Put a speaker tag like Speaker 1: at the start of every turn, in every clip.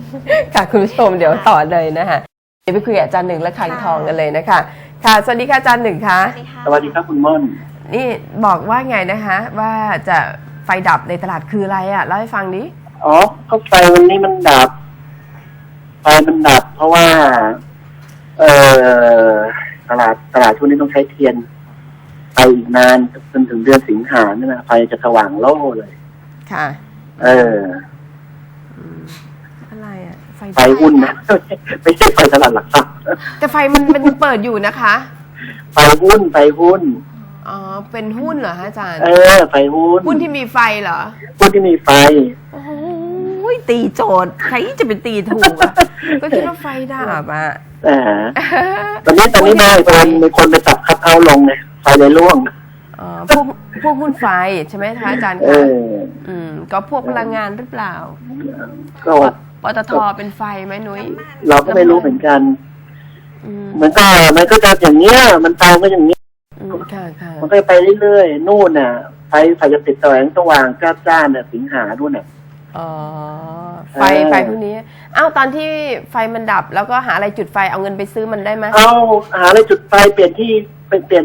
Speaker 1: ค่ะคุณผู้ชมเดี๋ยวต่อเลยนะคะเดี๋ยวไปคุยกับอาจารย์หนึ่งและขังทองกันเลยนะคะค่ะสวัสดีค่ะอาจารย์หนึ่งค่ะ
Speaker 2: สวัสดีครับคุณม่อน
Speaker 1: นี่บอกว่าไงนะคะว่าจะไฟดับในตลาดคืออะไรอ่ะเล่าให้ฟังดิ
Speaker 2: อ๋อก็ไฟวันนี้มันดับไฟมันดับเพราะว่าตลาดช่วงนี้ต้องใช้เทียนไปอีกนานจนถึงเดือนสิงหาเนี่ยนะไฟจะสว่างโล่เลย
Speaker 1: ค่ะอะไรอ่ะ
Speaker 2: ไฟหุ้นนะไม่ใช่ไฟตลาดหลักทรัพย์
Speaker 1: แต่ไฟมันเปิดอยู่นะคะ
Speaker 2: ไฟหุ้น
Speaker 1: อ๋อเป็นหุ้นเหรอฮะอาจารย์
Speaker 2: ไฟหุ้
Speaker 1: นที่มีไฟเหรอ
Speaker 2: หุ้นที่มีไฟ
Speaker 1: โอ้ยตีโจทย์ใครจะเป็นตีถูกอ่ะก็คิดว่าไฟดับอ่ะ
Speaker 2: ตอนนี้ได้มีคนไปจับคัทเอาท์ลงไงไฟเลยร่วง
Speaker 1: พวกหุ้นไฟใช่ไหมคะอาจารย์คะก็พวกพลังงานหรือเปล่าปตทเป็นไฟไหมนุ้ย
Speaker 2: เราก็ไม่รู้เหมือนกันมันก็จะอย่างเงี้ยมันตามก็อย่างเงี้ยมันก็ไปเรื่อยๆนู่นน่ะไฟจะติดแสงสว่างจ้าเนี่ยสิงหาด้วยน่ะ
Speaker 1: ไฟพวกนี้ตอนที่ไฟมันดับแล้วก็หาอะไรจุดไฟเอาเงินไปซื้อมันได้ไหม
Speaker 2: หาอะไรจุดไฟเปลี่ยนที่เป็นไฟ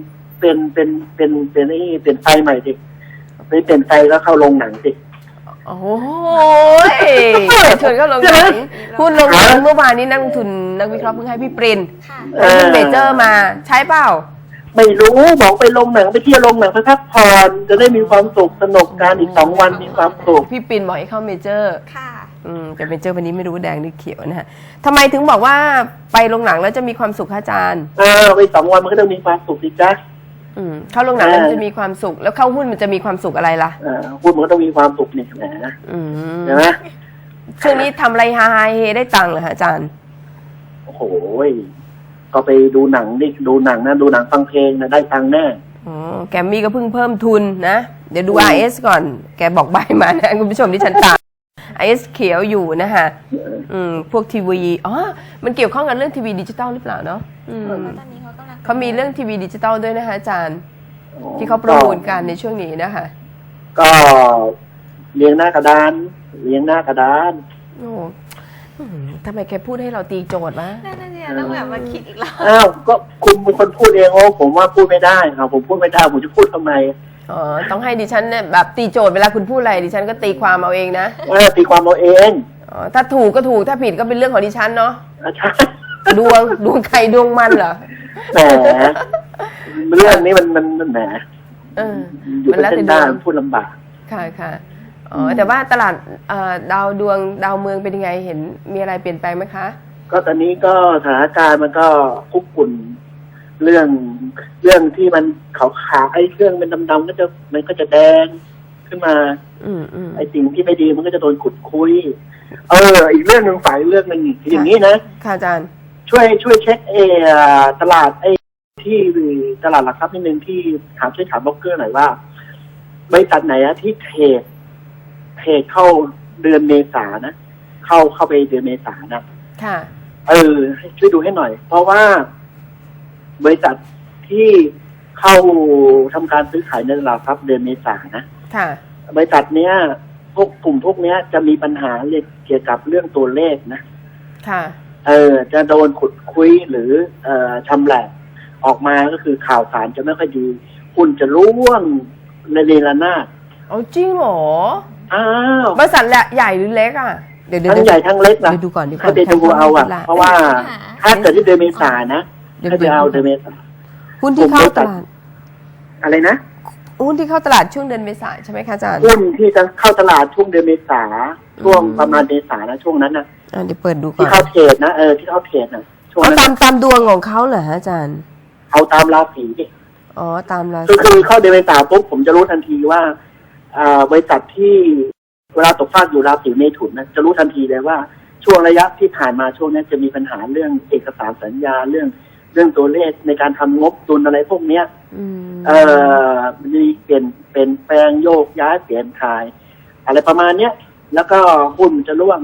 Speaker 2: ใหม่สิไปเปลี่ยนไฟแล้วเข้าโรงหนังสิ
Speaker 1: โอ้ยชวนเข้าโรงหนังพูดโรงหนังเมื่อวานนี้นักลงทุนนักวิเคราะห์เพิ่งให้พี่ปรินหุ้นเมเจอร์มาใช้เปล่า
Speaker 2: ไม่รู้บอกไปลงหนังไปเที่ยวลงหนังไปพักผ่อนจะได้มีความสุขสนุกการอีก2 วันมีความสุข
Speaker 1: พี่ปรินบอกให้เข้าเมเจอร์ค่ะแต่เมเจอร์วันนี้ไม่รู้แดงหรือเขียวนะฮะทำไมถึงบอกว่าไปลงหนังแล้วจะมีความสุขอาจารย์
Speaker 2: ไป2 วันมันก็ต้องมีความสุขดิจ๊ะ
Speaker 1: เข้าลงหนังแล้วจะมีความสุขแล้วเข้าหุ้นมันจะมีความสุขอะไรล่ะ
Speaker 2: หุ้นมันก็ต้องมีความสุขนี่แหละใช่ไหม
Speaker 1: ช่วงนี้ทำอะไรฮาเฮได้ตังค์เหรอฮะอาจารย์
Speaker 2: โอ้โหก็ไปดูหนังนี่ดูหนังนะดูหนังฟังเพลงนะได้ตังค์แน่
Speaker 1: แกมมี่ก็เพิ่งเพิ่มทุนนะเดี๋ยวดู RS ก่อนแกบอกใบมานะคุณผู้ชมที่ฉันตาม RS เขียวอยู่นะฮะพวกทีวีมันเกี่ยวข้องกับเรื่องทีวีดิจิตอลหรือเปล่าเนาะเขามีเรื่องทีวีดิจิตอลด้วยนะคะอาจารย์ที่เขาประมูลกันในช่วงนี้นะคะ
Speaker 2: ก็เลี้ยงหน้ากระดาน
Speaker 1: โอ้ทำไมแกพูดให้เราตีโจทย์วะ
Speaker 3: นั่นเนี่ยต้องแบบมาคิดอีกแล้ว
Speaker 2: ก็คุณเป็นคนพูดเองผมว่าพูดไม่ได้ครับผมพูดไม่ได้ผมจะพูดทำไม
Speaker 1: ต้องให้ดิฉันเนี่ยแบบตีโจทย์เวลาคุณพูดอะไรดิฉันก็ตีความเอาเองนะ
Speaker 2: ตีความเอาเอง
Speaker 1: ถ้าถูกก็ถูกถ้าผิดก็เป็นเรื่องของดิฉันเนาะ
Speaker 2: ใช่
Speaker 1: ดวงใครดวงมันเหรอ
Speaker 2: แหมเรื่องนี้มันแหมอยู่เป็นเส้นได้พูดลำบาก
Speaker 1: ค่ะแต่ว่าตลาดดาวเมืองเป็นยังไงเห็นมีอะไรเปลี่ยนแปลงไหมคะ
Speaker 2: ก็ตอนนี้ก็สถานการณ์มันก็คุกกุ่นเรื่องที่มันขาวๆไอ้เครื่องเป็นดำๆมันก็จะแดงขึ้นมาไอ้สิ่งที่ไม่ดีมันก็จะโดนขุดคุยอีกเรื่องนึงฝ่ายเรื่องนึงอย่างนี้นะ
Speaker 1: ค่ะอาจารย์
Speaker 2: ช่วยเช็คตลาดที่ตลาดหลักทรัพย์นิดนึงที่ช่วยถามบล็อกเกอร์หน่อยว่าบริษัทไหนที่เทรดเข้าเดือนเมษานะเข้าไปเดือนเมษานะ
Speaker 1: ค่ะ
Speaker 2: ช่วยดูให้หน่อยเพราะว่าบริษัทที่เข้าทำการซื้อขายในตลาดทรัพย์เดือนเมษานะ
Speaker 1: ค่ะ
Speaker 2: บริษัทเนี้ยกลุ่มพวกเนี้ยจะมีปัญหาเกี่ยวกับเรื่องตัวเลขนะ
Speaker 1: ค่ะ
Speaker 2: จะโดนขุดคุยหรือชำแหละออกมาก็คือข่าวสารจะไม่ค่อยดีหุ้นจะร่วงในเรลนาด
Speaker 1: จริงเหรอบริษัทใหญ่หรือเล็กอ่ะ
Speaker 2: เดี๋ยวทั้งใหญ่ทั้งเล็กนะ
Speaker 1: ดูก่อน
Speaker 2: ถ้าเดี๋ยวดูเอาเพราะว่าถ้าเกิดที่เดือนเมษานะถ้าจะเอาเดือนเมษา
Speaker 1: หุ้นที่เข้าตลาด
Speaker 2: อะไรนะ
Speaker 1: หุ้นที่เข้าตลาดช่วงเดือนเมษาใช่ไหมคะอาจารย์
Speaker 2: หุ้นที่จะเข้าตลาดช่วงเดือนเมษาช่วงประมาณเมษานะช่วงนั้นนะ
Speaker 1: เดี๋ยวเปิดดูก่อน
Speaker 2: ที่เข้าเทรดนะที่เข้าเทรดนะ
Speaker 1: ช่วงนั้นตามดวงของเขาเหรอฮะอาจารย์
Speaker 2: เอาตามราศีดิ
Speaker 1: ตามราศี
Speaker 2: คือเข้าเดือนเมษาปุ๊บผมจะรู้ทันทีว่าบริษัทที่เวลาตกฟากอยู่ราศีเมถุนนะจะรู้ทันทีเลยว่าช่วงระยะที่ผ่านมาช่วงนี้จะมีปัญหาเรื่องเอกสารสัญญาเรื่องตัวเลขในการทำงบดุลอะไรพวกเนี้ยมีเปลี่ยนแปลงโยกย้ายเปลี่ยนถ่ายอะไรประมาณเนี้ยแล้วก็หุ้นจะร่วง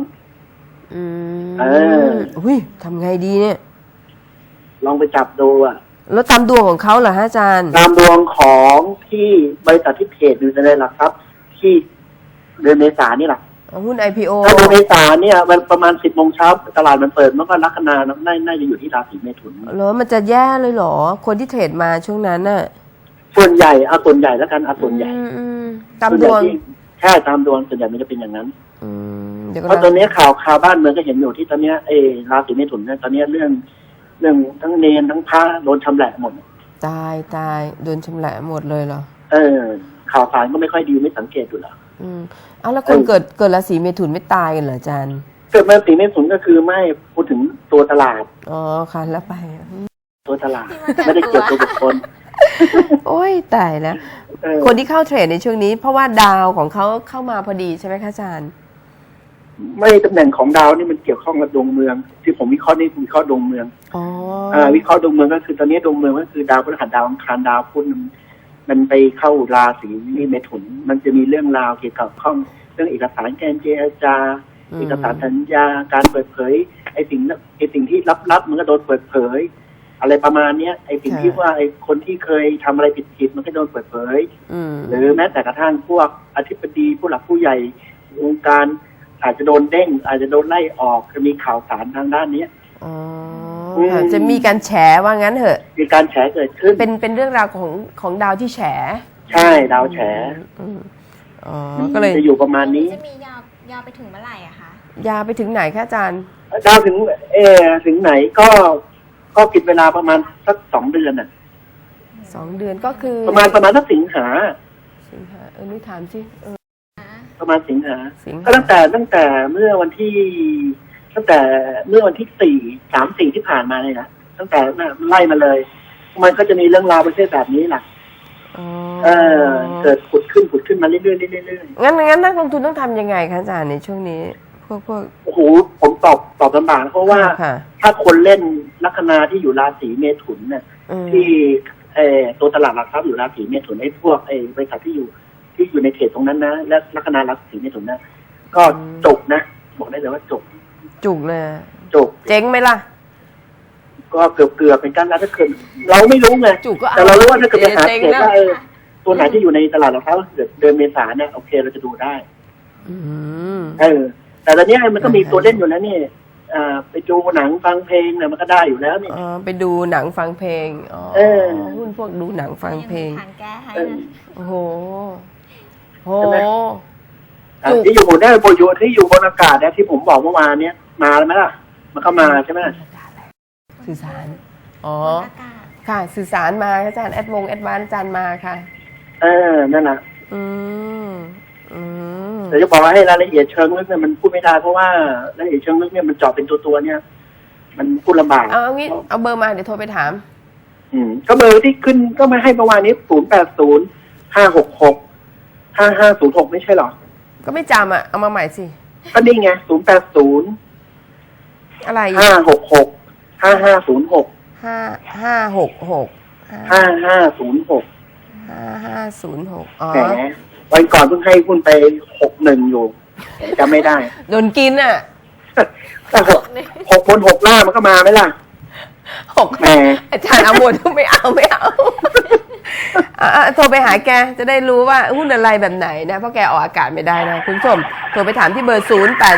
Speaker 1: ทำไงดีเนี่ย
Speaker 2: ลองไปจับดู
Speaker 1: แล้วตามดวงของเขาเหรอฮะอาจารย์
Speaker 2: ตามดวงของที่บริษัทที่เทรดอยู่ในหลักทรัพย์ที่เดือนเมษานี่แหละ
Speaker 1: หุ้น IPO
Speaker 2: ถ้าดูเมษาเนี่ยมันประมาณ10 โมงเช้าตลาดมันเปิดมันก็ลัคนาน่าจะอยู่ที่ราศีเมถุน
Speaker 1: แล้วมันจะแย่เลยเหรอ คนที่เทรดมาช่วงนั้นน่ะ
Speaker 2: ส่วนใหญ่เอาส่วนใหญ่แล้วกันเอาส่วนใหญ่
Speaker 1: ตามดวง
Speaker 2: ใช่ตามดวงส่วนใหญ่มันจะเป็นอย่างนั้น
Speaker 1: เดี๋ยวก็
Speaker 2: เพราะตอนนี้ข่าวบ้านเมืองก็เห็นอยู่ที่ตอนนี้ราศีเมถุนเนี่ยตอนนี้เรื่องทั้งเนรทั้งพระโดนชำแหละหมด
Speaker 1: ตายโดนชำแหละหมดเลยเหรอ
Speaker 2: ข่าวสารก็ไม่ค่อยดีไม่สังเกตดูหรอ
Speaker 1: เอาแล้วคนเกิดราศีเมถุนไม่ตายกันเหรออาจารย์
Speaker 2: เกิดราศีเมถุนก็คือไม่พูดถึงตัวตลาด
Speaker 1: อ๋อค่ะแล้วไป
Speaker 2: ตัวตลาดไม่ได้เกี่ยวกับบุคคล
Speaker 1: โอ้ยตายแล้วคนที่เข้าเทรดในช่วงนี้ เพราะว่าดาวของเขาเข้ามาพอดีใช่ไหมคะอาจารย์
Speaker 2: ไม่ตำแหน่งของดาวนี่มันเกี่ยวข้องกับดวงเมืองที่ผมวิเคราะห์นี่วิเคราะห์ดวงเมืองวิเคราะห์ดวงเมืองก็คือตอนนี้ดวงเมืองก็คือดาวพฤหัสดาวอังคารดาวพุธมันไปเข้าราศีเมถุนมันจะมีเรื่องราวเกี่ยวกับข้องเรื่องเอกสารการเจรจาเอกสารสัญญาการเปิดเผยไอ้สิ่งที่ลับมันก็โดนเปิดเผยอะไรประมาณเนี้ยไอ้สิ่งที่ว่าไอ้คนที่เคยทำอะไรผิดมันก็โดนเปิดเผยหรือแม้แต่กระทั่งพวกอธิบดีผู้หลักผู้ใหญ่วงการอาจจะโดนเด้งอาจจะโดนไล่ออกจะมีข่าวสารทางด้านนี้
Speaker 1: จะมีการแฉว่างั้นเหอะ
Speaker 2: มีการแฉเกิดขึ้น
Speaker 1: เป็นเรื่องราวของดาวที่แฉ
Speaker 2: ใช่ดาวแฉ
Speaker 1: ก็เลย
Speaker 2: จะอยู่ประมาณนี้
Speaker 3: จะมียาวไปถึงเมื่อไหร่อะคะ
Speaker 1: ยาวไปถึงไหนคะอาจารย์
Speaker 2: ดาวถึงถึงไหนก็กินเวลาประมาณสัก2 เดือนน่ะ
Speaker 1: 2 เดือนก็คือ
Speaker 2: ประมาณสักสิงหา
Speaker 1: นี่ถามสิ
Speaker 2: ประมาณสิงหาก็ตั้งแต่เมื่อวันที่3-4ที่ผ่านมาเลยนะตั้งแต่ไล่มาเลยมันก็จะมีเรื่องราวประเภทแบบนี้แหละเกิดขุดขึ้นมาเรื่อย
Speaker 1: ๆงั้นนักลงทุนต้องทำยังไงคะอาจารย์ในช่วงนี้พวก
Speaker 2: โอ้โหผมตอบลำบากเพราะว่าถ้าคนเล่นลัคนาที่อยู่ราศีเมถุนเนี่ยที่ตัวตลาดหลักทรัพย์อยู่ราศีเมถุนไอ้พวกบริษัทที่อยู่ในเขตตรงนั้นนะและลัคนาราศีเมถุนนะก็จบนะบอกได้เลยว่าจุกเลยเ
Speaker 1: จ๊งไหมล่ะ
Speaker 2: ก็เกือบเป็นการแล้วถ้าเกิดเราไม่รู้ไงแต่เรารู้ว่าถ้าเกิดไปหาเขตว่าตัวไหนที่อยู่ในตลาดหลักทรัพย์เดือนเมษาเนี่ยโอเคเราจะดูได้แต่ตอนนี้มันก็มีตัวเล่นอยู่แล้วนี่ไปดูหนังฟังเพลงเนี่ยมันก็ได้อยู่แล้วนี่
Speaker 1: ไปดูหนังฟังเพลงหุ้นพวกดูหนังฟังเพลงโอ้โห
Speaker 2: ที่อยู่ได้โปรโยชน์ที่อยู่บนอากาศเนี่ยที่ผมบอกเมื่อวานเนี้ยมาแล้วไหมล่ะมันก็มาใช่ไหม
Speaker 1: สื่อสารค่ะสื่อสารมาอาจารย์แอดวานอาจารย์มาค่ะ
Speaker 2: นั่นแหละแต่จะบอกว่าให้รายละเอียดเชิงลึกเนี่ยมันพูดไม่ได้เพราะว่ารายละเอียดเชิงลึกเนี่ยมันเจาะเป็นตัวเนี่ยมันพูดลำบาก
Speaker 1: เอางี้เอาเบอร์มาเดี๋ยวโทรไปถาม
Speaker 2: ก็เบอร์ที่ขึ้นก็มาให้เมื่อวานนี้080-566-5506ไม่ใช่หรอ
Speaker 1: ก็ไม่จำอ่ะเอามาใหม่สิ
Speaker 2: ก็นี่ไง080
Speaker 1: อะไร
Speaker 2: 566-5506
Speaker 1: 5506
Speaker 2: แหมวันก่อนเพิ่งให้หุ้นไป61อยู่จำไม่ได้
Speaker 1: โดนกินอ่ะ
Speaker 2: 6 บน 6 ล่างมันก็มาไหมล่ะ
Speaker 1: 6แหมอาจารย์เอาหมดไม่เอาโทรไปหาแกจะได้รู้ว่าหุ้นอะไรแบบไหนนะเพราะแกออกอากาศไม่ได้นะคุณผู้ชมโทรไปถามที่เบอร์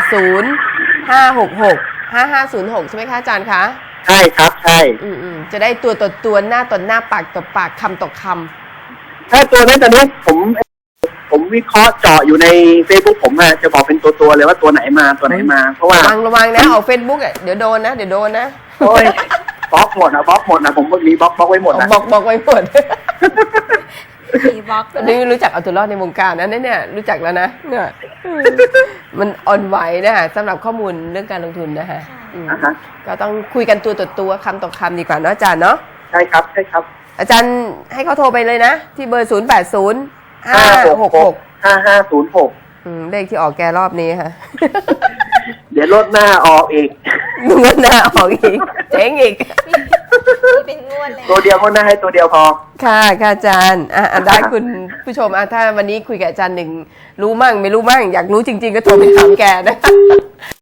Speaker 1: 080-566-5506ใช่ไหมคะอาจารย์คะ
Speaker 2: ใช่ครับใช่
Speaker 1: จะได้ตัวต่อตัวหน้าต่อหน้าปากต่อปากคำต่อค
Speaker 2: ำถ้าตัวนั้นตอนนี้ผมวิเคราะห์เจาะอยู่ใน Facebook ผมจะบอกเป็นตัวเลยว่าตัวไหนมาเพราะว่า
Speaker 1: ระวังนะออก Facebook เดี๋ยวโดนนะ
Speaker 2: โอ้ยบล็อกหมดนะผมมีบล็อกไว้หมดนะ
Speaker 1: บล็อกไว้หมดมีบล็อกนี่รู้จักเอาตัวรอดในวงการนะเนี่ยรู้จักแล้วนะเนี่ยมันอ่อนไหวนะคะสำหรับข้อมูลเรื่องการลงทุนนะคะก็ต้องคุยกันตัวต่อตัวคำต่อคำดีกว่าเนาะอาจารย์เนาะ
Speaker 2: ใช่ครับ
Speaker 1: อาจารย์ให้เขาโทรไปเลยนะที่เบอร์080-566-5506เลขที่ออกแกรอบนี้ค่ะ
Speaker 2: เดี๋ยวลดหน้าออกอีก
Speaker 1: งวดหน้าออกอีกเจ๊งอีก
Speaker 3: เป็นงวดเลย
Speaker 2: ตัวเดียวก็น่าให้ตัวเดียวพอ
Speaker 1: ค่ะอาจารย์ได้คุณผู้ชมถ้าวันนี้คุยกับอาจารย์หนึ่งรู้มั่งไม่รู้มั่งอยากรู้จริงๆก็โทรไปถามแกนะ